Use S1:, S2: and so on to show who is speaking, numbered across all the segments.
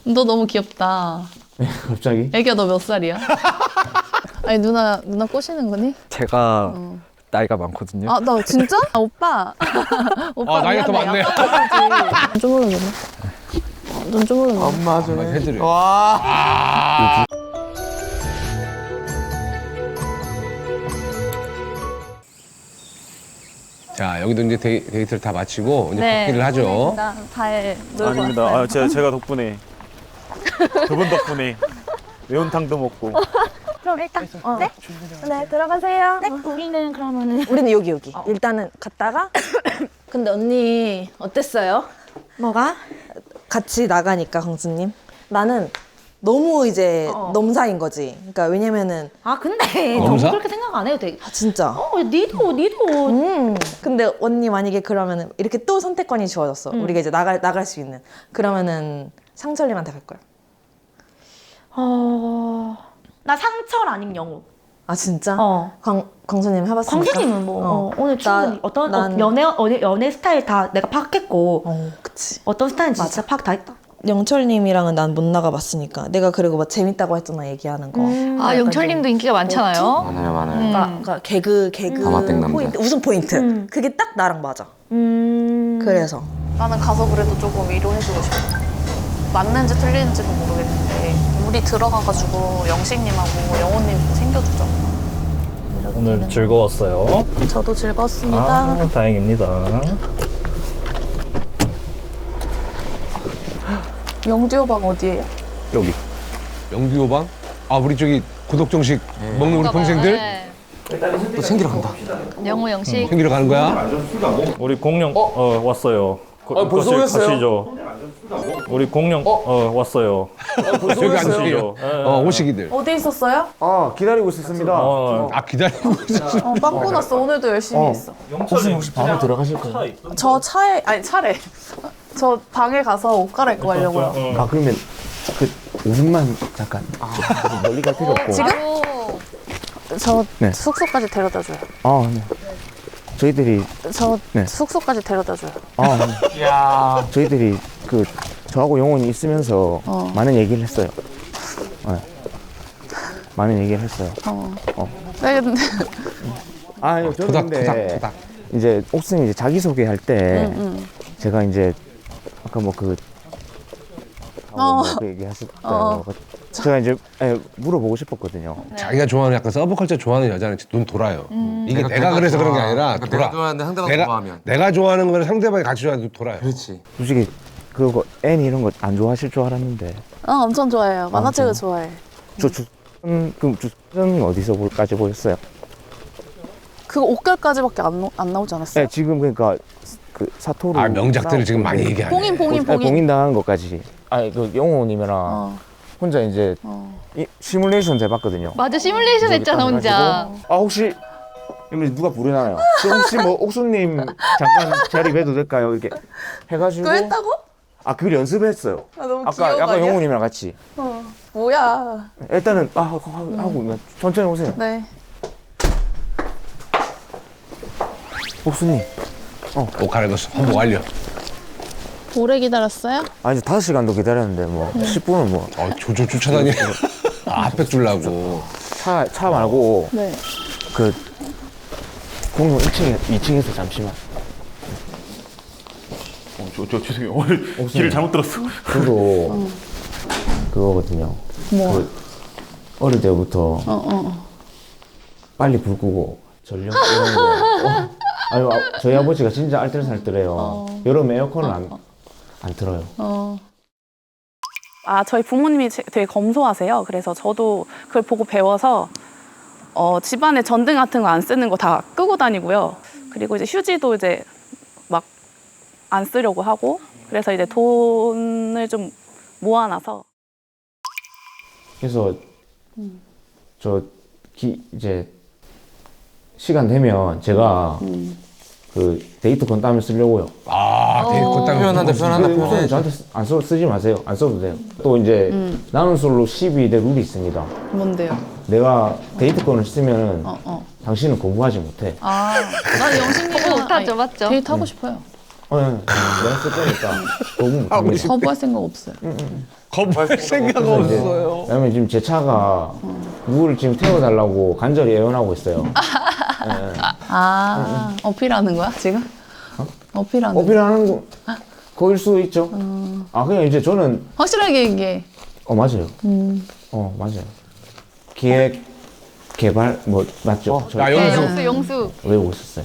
S1: 너 너무 귀엽다.
S2: 갑자기?
S1: 애기야 너 몇 살이야? 아니 누나 꼬시는 거니?
S3: 제가 나이가 많거든요.
S1: 아 나 진짜? 아, 오빠. 오빠
S4: 나이가 더 많네.
S1: 좀 모르겠네. 눈좀 모르겠네.
S2: 엄마 좀
S4: 해드려.
S2: 와.
S4: 자, 여기도 이제 데이트를 다 마치고 이제
S1: 네.
S4: 복귀를 하죠.
S1: 잘 놀고
S5: 아닙니다.
S1: 왔어요.
S5: 아, 제가 덕분에 그분 덕분에 매운탕도 먹고.
S6: 그럼 일단 네 들어가세요. 네 우리는 그러면은 우리는 여기 일단은 갔다가
S1: 근데 언니 어땠어요?
S6: 뭐가?
S7: 같이 나가니까 강수님 나는 너무 이제 넘사인 거지. 그러니까 왜냐면은
S6: 아 근데 너무
S4: 검사?
S6: 그렇게 생각 안 해도 돼.
S7: 아, 진짜.
S6: 니도
S7: 근데 언니 만약에 그러면은 이렇게 또 선택권이 주어졌어. 우리가 이제 나갈 수 있는. 그러면은 상철님한테 갈 거야.
S6: 나 상철 아님 영우.
S7: 아 진짜?
S6: 어.
S7: 광수님 해봤습니까?
S6: 광수님은 뭐 오늘 충분히
S7: 난-
S6: 연애 스타일 다 내가 파악했고
S7: 그치.
S6: 어떤 스타일인지 진짜 파악 다 했다.
S7: 영철님이랑은 난 못 나가봤으니까. 내가 그리고 막 재밌다고 했잖아 얘기하는 거.
S1: 아 영철님도 인기가 많잖아요.
S2: 많아요.
S7: 그러니까 개그
S2: 가마땡 남자.
S7: 포인트, 웃음 포인트. 그게 딱 나랑 맞아. 그래서
S1: 나는 가서 그래도 조금 위로해주고 싶어. 맞는지 틀리는지는 모르겠는데 우리 들어가가지고 영식님하고 영호님 좀 챙겨주자.
S3: 오늘 즐거웠어요.
S1: 저도 즐거웠습니다.
S3: 아, 다행입니다.
S1: 영지호방 어디예요?
S2: 여기.
S4: 영규호방? 아, 우리 저기 고독정식 먹는 우리 동생들
S2: 또 챙기러 간다.
S1: 영호 영식.
S4: 챙기러 가는 거야?
S3: 우리 공룡 왔어요.
S2: 벌써 오셨어요?
S3: 가시죠. 우리 공룡 왔어요.
S4: 저기 앉으세요.
S3: 가시죠.
S4: 오시기들.
S1: 어디 있었어요?
S2: 아 기다리고 있었습니다.
S4: 아, 기다리고 있었어.
S1: 빵꾸 났어. 오늘도 열심히 했어.
S2: 혹시 밤에 들어가실 거예요?
S1: 저 차에 아니 차래. 저 방에 가서 옷 갈아입고 가려고요.
S2: 아 그러면 그 5분만 잠깐. 멀리 갈 필요 없고.
S1: 지금? 저
S2: 네.
S1: 숙소까지 데려다 줘요.
S2: 아 네. 저희들이
S1: 저
S2: 네.
S1: 숙소까지 데려다 줘요.
S2: 저희들이 그 저하고 영혼이 있으면서 많은 얘기를 했어요. 네. 많은 얘기를 했어요.
S1: 네, 근데
S2: 아니 저는 근데
S4: 토닥토닥.
S2: 이제 옥순이 이제 자기 소개할 때 제가 이제 아까 뭐 그 그 얘기하실 때 제가 이제 물어보고 싶었거든요.
S4: 자기가 좋아하는 약간 서브컬처 좋아하는 여자는 눈 돌아요. 이게 내가 그래서 그런 게 아니라 돌아.
S8: 내가 좋아하는데 상대방 좋아하면
S4: 내가 좋아하는 거를 상대방이 같이 좋아하는 돌아요.
S8: 그렇지.
S2: 솔직히 그거 애니 이런 거 안 좋아하실 줄 알았는데
S1: 엄청 좋아해요. 만화책을
S2: 진짜?
S1: 좋아해.
S2: 그럼 주는 어디서까지 보였어요?
S1: 그거 옷갈까지밖에 안 나오지 않았어요?
S2: 네, 지금 그러니까 그 사토루
S4: 아, 명작들을 지금 많이 얘기하네.
S1: 봉인.
S2: 봉인 당한 것까지. 아니 그 영호님이랑 혼자 이제 시뮬레이션 해봤거든요.
S1: 맞아 시뮬레이션 했잖아 혼자.
S2: 아 혹시 이거 누가 부르나요? 혹시 뭐 옥수님 잠깐 자리 배도 될까요? 이렇게 해가지고.
S1: 그거 했다고?
S2: 아 그걸 연습했어요.
S1: 너무
S2: 아까 영호님이랑 같이.
S1: 뭐야?
S2: 일단은 하고 천천히 오세요.
S1: 네.
S2: 옥수님.
S4: 옷 갈아입었어. 홍보 완료.
S1: 오래 기다렸어요?
S2: 아 이제 5시간도 기다렸는데 뭐 10분은 뭐
S4: 조조 쫓아다니. 핫팩 주려고.
S2: 차 말고
S1: 네.
S2: 그 공룡 2층에서 잠시만.
S5: 저 죄송해요. 오늘 길을 잘못 들었어.
S2: 저도 그거거든요. 뭐? 어릴 때부터 빨리 불 끄고 전력 이런 거. 아니 저희 아버지가 진짜 알뜰살뜰해요. 여름 에어컨을 안 틀어요.
S9: 아, 저희 부모님이 되게 검소하세요. 그래서 저도 그걸 보고 배워서 집안에 전등 같은 거 안 쓰는 거 다 끄고 다니고요. 그리고 이제 휴지도 이제 막 안 쓰려고 하고 그래서 이제 돈을 좀 모아놔서
S2: 그래서 이제 시간 되면 제가 그 데이트권 따면 쓰려고요.
S4: 아, 데이트
S8: 표현한다.
S2: 우선 저한테 쓰지 마세요. 안 써도 돼요. 또 이제 나눈 솔로 12대 룰이 있습니다.
S1: 뭔데요?
S2: 내가 데이트권을 쓰면 당신은 공부하지 못해.
S1: 난 영식님은 못하죠, 맞죠? 데이트 하고 싶어요.
S2: 내가 쓸 거니까 거부 못합니다.
S9: 거부할 생각 없어요.
S4: 거부할 생각 없어요.
S2: 왜냐면 지금 제 차가 누구를 지금 태워달라고 간절히 애원하고 있어요.
S9: 어필하는 거야 지금? 어필하는 거.
S2: 어필하는 거 거일 수도 있죠. 그냥 이제 저는
S9: 확실하게 얘기해.
S2: 맞아요. 맞아요. 기획 개발 맞죠?
S4: 야, 영수.
S1: 영수.
S2: 외우고 있었어요.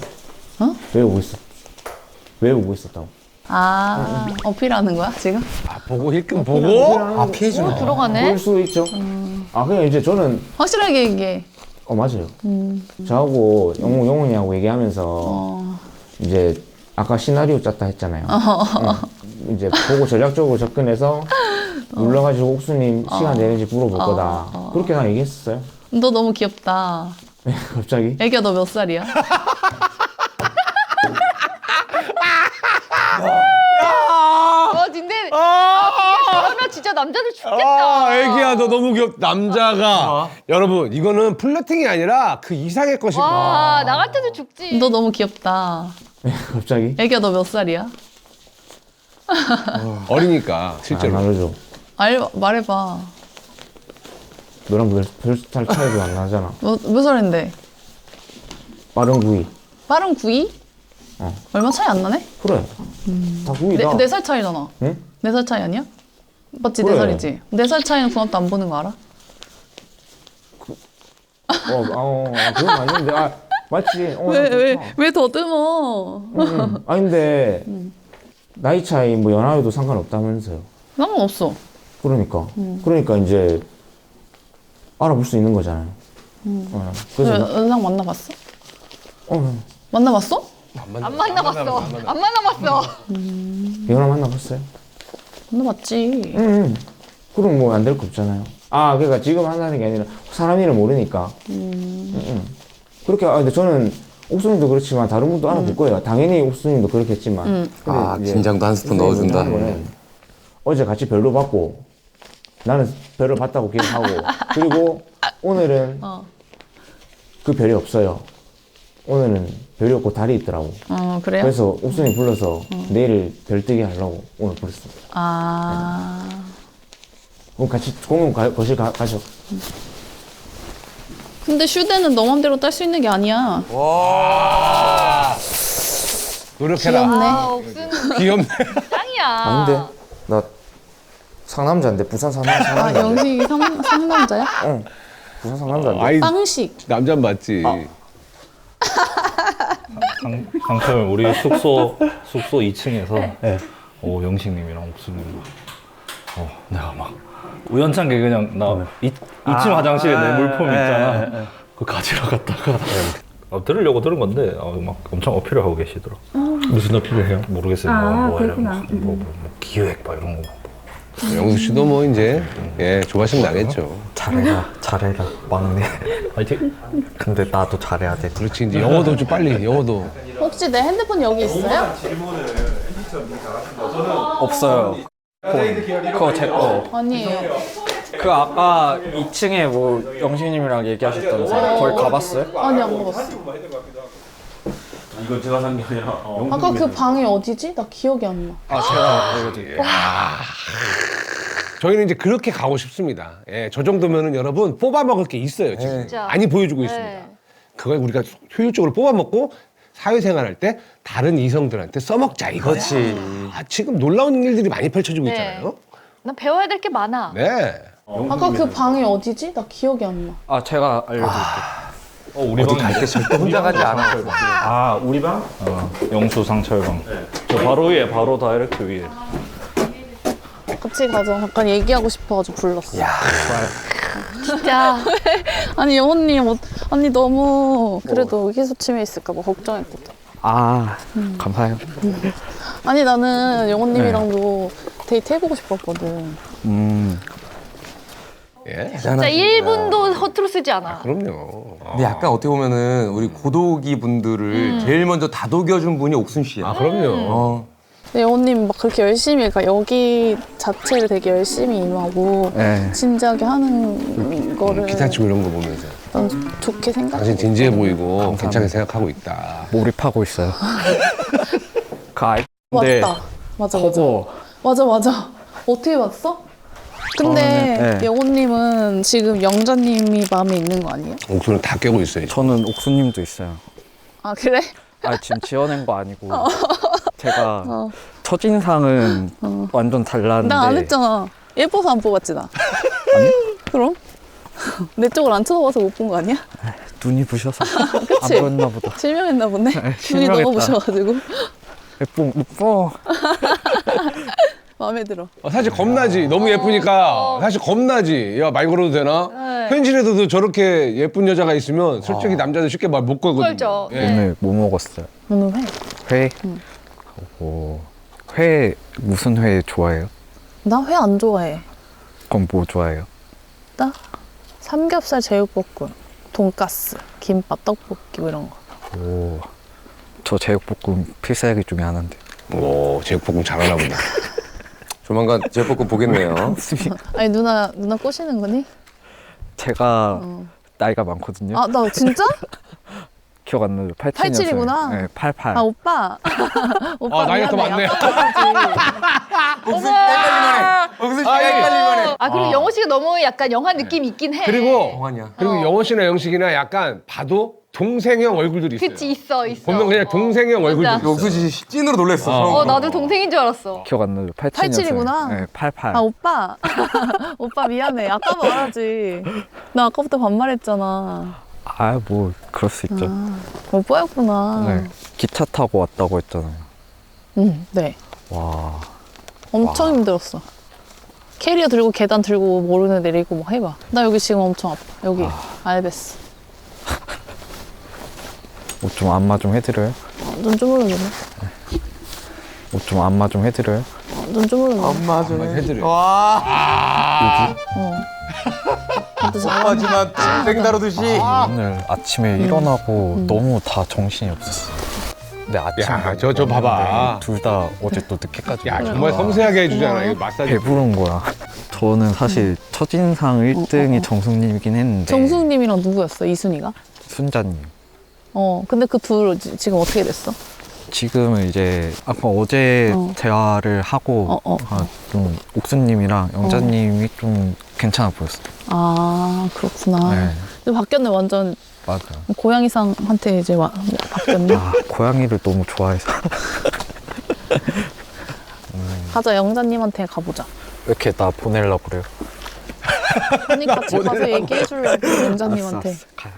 S2: 외우고 있었다고.
S9: 어필하는 거야 지금?
S4: 보고 힐끔 보고.
S2: 피해주는
S1: 들어가네.
S2: 거일 수도 있죠. 그냥 이제 저는
S9: 확실하게 얘기해.
S2: 맞아요. 저하고 영훈이하고 얘기하면서 이제 아까 시나리오 짰다 했잖아요. 이제 보고 전략적으로 접근해서 눌러가지고 옥수님 시간 되는지 물어볼 거다. 그렇게 난 얘기했었어요.
S9: 너 너무 귀엽다.
S2: 갑자기?
S9: 애기야 너 몇 살이야?
S1: 근데 나 진짜 남자들 죽겠다.
S4: 애기야, 너 너무 귀엽. 남자가. 여러분, 이거는 플러팅이 아니라 그 이상의 것이고.
S1: 나 같아도 죽지.
S9: 너 너무 귀엽다.
S2: 갑자기?
S9: 애기야 너 몇 살이야?
S4: 어리니까, 실제로.
S2: 안 알려줘.
S9: 말해봐.
S2: 너랑 별 살 차이도 안 나잖아.
S9: 몇 살인데?
S2: 빠른 구이.
S9: 빠른 9위? 얼마 차이 안 나네?
S2: 그래. 다 구이다.
S9: 4살 차이잖아.
S2: 응?
S9: 4살 차이 아니야? 맞지?
S2: 그래.
S9: 4살이지? 4살 차이는 중학교 안 보는 거 알아?
S2: 그건 아닌데. 맞지.
S9: 왜 더듬어?
S2: 근데 나이 차이 연하여도 상관없다면서요.
S9: 상관없어.
S2: 그러니까 이제 알아볼 수 있는 거잖아요. 그래서
S9: 연상 만나봤어? 만나봤어?
S1: 안 만나봤어.
S2: 이거랑 만나봤어요?
S9: 만나봤지.
S2: 그럼 안 될 거 없잖아요. 그러니까 지금 한다는 게 아니라 사람 이름 모르니까. 그렇게 근데 저는 옥수님도 그렇지만 다른 분도 알아볼 거예요. 당연히 옥수님도 그렇겠지만. 근데 이제
S8: 긴장도 한 스푼 넣어준다.
S2: 하는 거는 어제 같이 별로 받고 나는 별을 받다고 기억하고 그리고 오늘은 그 별이 없어요. 오늘은 별이 없고 달이 있더라고.
S9: 그래요?
S2: 그래서 옥수님 불러서 내일 별 뜨게 하려고 오늘 부르습니다. 그럼 같이 공용 거실 가죠.
S9: 근데 슈대는 너 맘대로 딸 수 있는 게 아니야.
S4: 노력해라.
S9: 귀엽네.
S4: 귀엽네.
S1: 짱이야.
S2: 근데 나 상남자인데 부산 상남자.
S9: 영식이 상남자야?
S2: 응. 부산 상남자인데.
S4: 아이,
S9: 빵식.
S4: 남자 맞지.
S3: 강철 우리 숙소 2층에서 영식님이랑 옥수님 내가 막 우연찮게 그냥 나 2층 화장실에 내 물품 있잖아. 그거 가지러 갔다가 들으려고 들은 건데 막 엄청 어필을 하고 계시더라. 무슨 어필을 해요? 모르겠어요. 뭐 기획 막 이런 거.
S4: 영수 씨도 이제 조바심 나겠죠.
S8: 잘해라 막내.
S3: 화이팅.
S8: 근데 나도 잘해야 돼.
S4: 그렇지, 이제 영어도 좀 빨리, 영어도.
S9: 혹시 내 핸드폰 여기 있어요?
S8: 없어요. 그거 제 거.
S9: 아니에요.
S8: 그 아까 2층에 영식님이랑 얘기하셨다면서요? 거기 가봤어요?
S9: 아니 안 먹었어.
S5: 이건 제가 산 게 아니라
S9: 아까 그 방이 어디지? 나 기억이 안 나.
S8: 제가 알려드릴게요.
S4: 저희는 이제 그렇게 가고 싶습니다. 저 정도면은 여러분 뽑아 먹을 게 있어요, 지금.
S1: 진짜.
S4: 많이 보여주고 있습니다. 그걸 우리가 효율적으로 뽑아 먹고 사회생활 할 때 다른 이성들한테 써먹자, 이거야.
S8: 그렇지.
S4: 지금 놀라운 일들이 많이 펼쳐지고 있잖아요.
S1: 난 배워야 될 게 많아.
S4: 네.
S9: 아까 그 방이 어디지? 나 기억이 안 나.
S8: 제가 알려드릴게요.
S3: 우리 방 갈때
S8: 절대 혼자 가지 않아요.
S3: 우리 방? 영수 상철방. 저 바로 위에 바로 다이렉트 위에.
S9: 같이 가자. 잠깐 얘기하고 싶어가지고 불렀어.
S1: 진짜.
S9: 아니 영호님, 아니 너무 그래도 의기소침해 있을까 봐 걱정했거든.
S8: 감사해요.
S9: 아니 나는 영호님이랑도 데이트 해보고 싶었거든.
S1: 진짜 1분도 허투루 쓰지 않아.
S4: 그럼요.
S8: 근데 약간 어떻게 보면은 우리 고독이 분들을 제일 먼저 다독여준 분이 옥순 씨야.
S4: 그럼요.
S9: 근데 영호님 막 그렇게 열심히, 그러니까 여기 자체를 되게 열심히 임하고 진지하게 하는 거를
S4: 기타 치고 이런 거 보면서.
S9: 난 좋게 생각해.
S4: 당신 진지해 보이고 괜찮게 생각하고 있다.
S8: 몰입하고 있어요. 그
S5: 네.
S9: 맞다. 맞아. 맞아. 어떻게 봤어? 근데
S5: 저는, 네.
S9: 영호님은 지금 영자님이 마음에 있는 거 아니에요?
S4: 옥수는 다 깨고 있어요.
S5: 저는 옥수님도 있어요.
S9: 아 그래?
S5: 아 지금 지어낸 거 아니고 제가 첫인상은 완전 달랐는데
S9: 나 안 했잖아. 예뻐서 안 뽑았지 나.
S5: 아니요?
S9: 그럼? 내 쪽을 안 쳐다봐서 못 본 거 아니야?
S5: 눈이 부셔서 안
S9: 그치?
S5: 보였나 보다.
S9: 실명했나 보네. 눈이
S5: 실명했다.
S9: 너무 부셔가지고
S5: 예뻐.
S9: 마음에 들어.
S4: 사실 겁나지. 너무 예쁘니까. 사실 겁나지. 야, 말 걸어도 되나? 현실에서도 저렇게 예쁜 여자가 있으면 솔직히 남자들 쉽게 말 못 걸거든요.
S1: 걸죠.
S4: 예.
S5: 오늘 뭐 먹었어요?
S9: 오늘 회.
S5: 회? 회 무슨 회 좋아해요?
S9: 나 회 안 좋아해.
S5: 그럼 뭐 좋아해요?
S9: 나 삼겹살, 제육볶음, 돈가스, 김밥, 떡볶이 뭐 이런 거.
S5: 저 제육볶음 필살기 중에 하나인데.
S4: 오, 제육볶음 잘하나 보다.
S8: 조만간 제육볶음 보겠네요.
S9: 아니 누나 꼬시는 거니?
S5: 제가 나이가 많거든요.
S9: 아 나 진짜?
S5: 기억 안 나요.
S9: 87이구나.
S5: 네, 88.
S9: 아 오빠. 오빠
S4: 나이가 더
S9: 미안해.
S4: 많네.
S8: 옥순 씨 헷갈릴만해. 옥순 씨 헷갈릴만해.
S1: 아 그리고 영호 씨가 너무 약간 영화 느낌이 있긴 해.
S4: 그리고
S8: 동안이야.
S4: 영원 씨나 영식이나 약간 봐도 동생형 얼굴들이 있어요.
S1: 그치 있어.
S4: 보면 그냥 동생형 얼굴들이 있어.
S8: 옥순 씨 찐으로 놀랬어.
S1: 어 나도 동생인 줄 알았어.
S5: 기억 안 나요.
S9: 87이구나.
S5: 네, 88.
S9: 아 오빠. 오빠 미안해. 아까 말하지. 나 아까부터 반말했잖아.
S5: 뭐 그럴 수 있죠.
S9: 오빠였구나.
S5: 네. 기차 타고 왔다고 했잖아요.
S9: 네.
S5: 와.
S9: 엄청 힘들었어. 캐리어 들고 계단 들고 모르는 애 내리고 막 해봐. 나 여기 지금 엄청 아파. 여기 알베스.
S5: 옷 좀 안마 좀 해드려요?
S9: 좀 주물러주네.
S5: 옷 좀 안마 좀 해드려요?
S9: 좀 주물러주네.
S8: 엄마 좀
S4: 해드려.
S8: 와.
S9: 근데 잘
S8: 엄마지만 동생 다루듯이.
S5: 오늘 아침에 일어나고 너무 다 정신이 없었어. 근데 아침에
S4: 야, 저 봐봐.
S5: 둘 다 어제 또 늦게까지
S4: 야, 정말 섬세하게 해주잖아. 이거 마사지.
S5: 배부른 거야. 저는 사실 첫인상 1등이 정숙님이긴 했는데
S9: 정숙님이랑 누구였어? 이순이가?
S5: 순자님.
S9: 근데 그 둘 지금 어떻게 됐어?
S5: 지금은 이제 아까 어제 대화를 하고 좀 옥수님이랑 영자님이 좀 괜찮아 보였어요.
S9: 아 그렇구나.
S5: 네.
S9: 근데 바뀌었네 완전.
S5: 맞아요.
S9: 고양이상한테 이제 바뀌었네.
S5: 고양이를 너무 좋아해서.
S9: 가자 영자님한테 가보자.
S5: 왜 이렇게 나 보내려고 그래요?
S9: 언니 같이 가서 얘기해주려고 영자님한테.
S5: 알았어, 가요.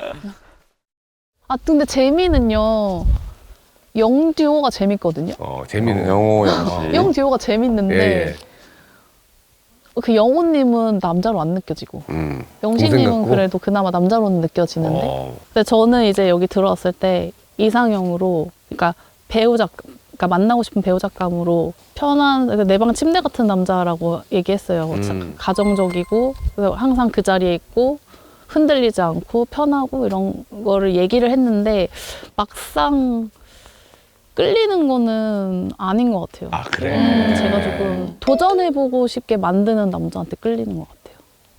S9: 아 근데 재미는요. 영듀오가 재밌거든요.
S4: 재미는.
S8: 영호 영씨.
S9: 영듀오가 재밌는데
S4: 예.
S9: 그 영호님은 남자로 안 느껴지고
S4: 동생
S9: 영식님은
S4: 같고?
S9: 그래도 그나마 남자로는 느껴지는데 근데 저는 이제 여기 들어왔을 때 이상형으로 그러니까 그러니까 만나고 싶은 배우 작감으로 편한 내 방 침대 같은 남자라고 얘기했어요. 가정적이고 그래서 항상 그 자리에 있고 흔들리지 않고 편하고 이런 거를 얘기를 했는데 막상 끌리는 거는 아닌 것 같아요.
S4: 아, 그래?
S9: 제가 조금 도전해보고 싶게 만드는 남자한테 끌리는 것 같아요.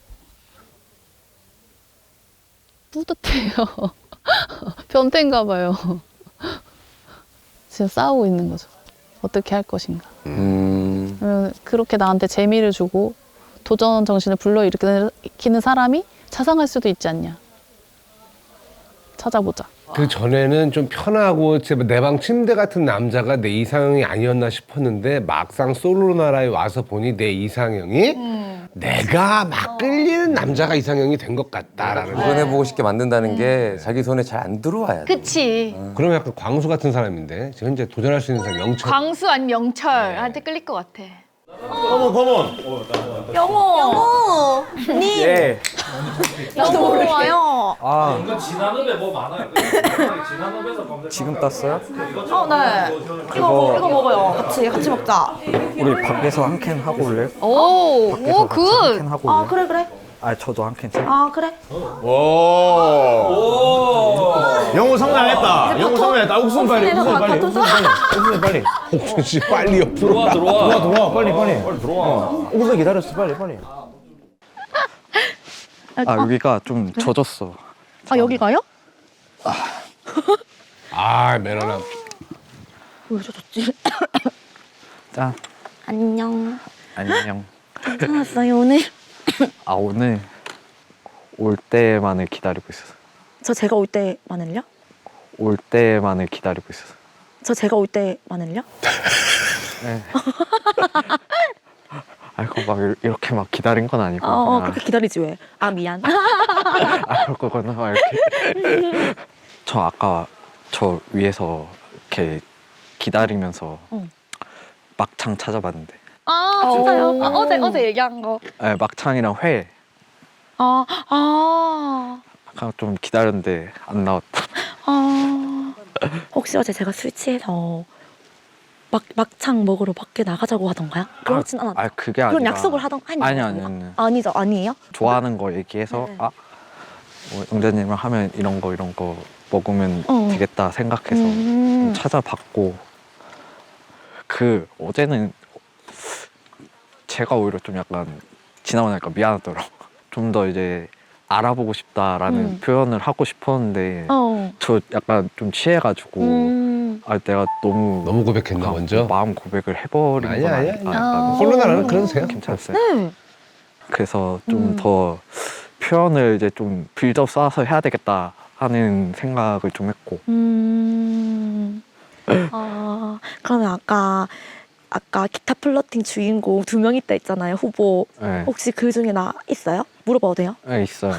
S9: 뿌듯해요. 변태인가 봐요. 지금 싸우고 있는 거죠. 어떻게 할 것인가. 그러면 그렇게 나한테 재미를 주고 도전 정신을 불러일으키는 사람이 자상할 수도 있지 않냐. 찾아보자.
S4: 그 전에는 좀 편하고 내 방 침대 같은 남자가 내 이상형이 아니었나 싶었는데 막상 솔로나라에 와서 보니 내 이상형이 내가 막 끌리는 남자가 이상형이 된 것 같다라는 거.
S8: 도전해보고 싶게 만든다는 게 자기 손에 잘 안 들어와야 돼.
S1: 그치.
S4: 그러면 약간 광수 같은 사람인데 지금 현재 도전할 수 있는 사람 영철.
S1: 광수 아니면 영철한테 끌릴 것 같아.
S6: 영호 님
S5: 예.
S6: 나도 와요.
S3: 지난업에 뭐 많아요. 지난업에서 검색.
S5: 지금 땄어요?
S6: 네. 이거 먹어요. 같이 먹자.
S5: 우리 밖에서 한 캔 하고 올래요?
S1: 오,
S5: 밖에서
S1: 오,
S5: 같이 한
S1: 굿.
S5: 캔 하고 올래요?
S6: 그래.
S5: 저도 한 캔.
S6: 그래.
S2: 영호 성장했다. 영호 성장했다. 옥순 빨리. 옥순 빨리.
S4: 옥순 씨 빨리 옆으로
S2: 들어와 빨리. 옥순 기다렸어 빨리.
S5: 여기가 좀 젖었어.
S6: 여기가요?
S4: 매너남.
S6: 보여줘줬지.
S5: 짠.
S6: 안녕.
S5: 안녕.
S6: 괜찮았어요 오늘?
S5: 아, 오늘 올 때만을 기다리고 있었어.
S6: 저 제가 올 때만을요?
S5: 올 때만을 기다리고 있었어.
S6: 저 제가 올 때만을요?
S5: 네. 아이고, 막 이렇게 막 기다린 건 아니고.
S6: 그렇게 기다리지 왜? 아 미안.
S5: 아, 그럴 거구나. 막 이렇게. 저 아까 저 위에서 이렇게 기다리면서 막창 찾아봤는데.
S6: 아 진짜요? 아, 어제 얘기한 거.
S5: 네, 막창이랑 회. 아까 좀 기다렸는데 안 나왔다.
S6: 혹시 어제 제가 술 취해서 막창 먹으러 밖에 나가자고 하던가요? 그렇진 않았죠.
S5: 아, 그게 아니라.
S6: 그런 약속을 하던
S5: 아니요.
S6: 아니죠, 아니에요?
S5: 좋아하는 거 얘기해서
S6: 네.
S5: 뭐 영자님이랑 하면 이런 거 먹으면 되겠다 생각해서 좀 찾아봤고, 그 어제는 제가 오히려 좀 약간 지나고 나니까 미안하더라고. 좀 더 이제 알아보고 싶다라는 표현을 하고 싶었는데 저 약간 좀 취해가지고 내가 너무
S4: 고백했나 먼저?
S5: 마음 고백을 해버린 건
S4: 아니야.
S5: 아닐까.
S4: 콜로나라는 그래도 돼요.
S5: 괜찮았어요.
S6: 네.
S5: 그래서 좀 더 표현을 이제 좀 빌드업 쌓아서 해야 되겠다 하는 생각을 좀 했고.
S6: 그러면 아까 기타 플러팅 주인공 2명 있다 했잖아요, 후보.
S5: 네.
S6: 혹시 그 중에 나 있어요? 물어봐도 돼요?
S5: 네, 있어요.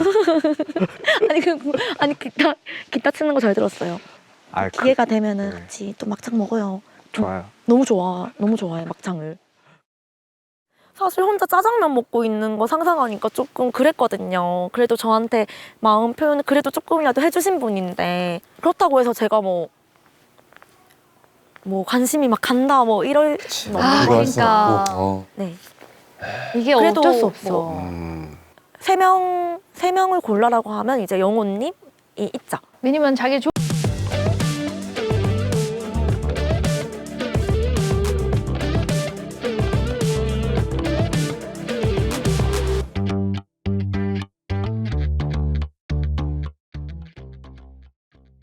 S6: 아니 기타 치는 거 잘 들었어요. 기회가 되면은
S5: 네.
S6: 같이 또 막창 먹어요.
S5: 좋아요.
S6: 너무 좋아해 막창을. 사실 혼자 짜장면 먹고 있는 거 상상하니까 조금 그랬거든요. 그래도 저한테 마음 표현을 그래도 조금이라도 해주신 분인데, 그렇다고 해서 제가 뭐 관심이 막 간다 뭐 이럴 수는 없는
S8: 아,
S6: 거니까.
S1: 그러니까.
S6: 네.
S1: 이게
S6: 그래도
S1: 어쩔 수 없어.
S6: 뭐 세 명을 골라라고 하면 이제 영호님이 있죠.
S1: 왜냐면 자기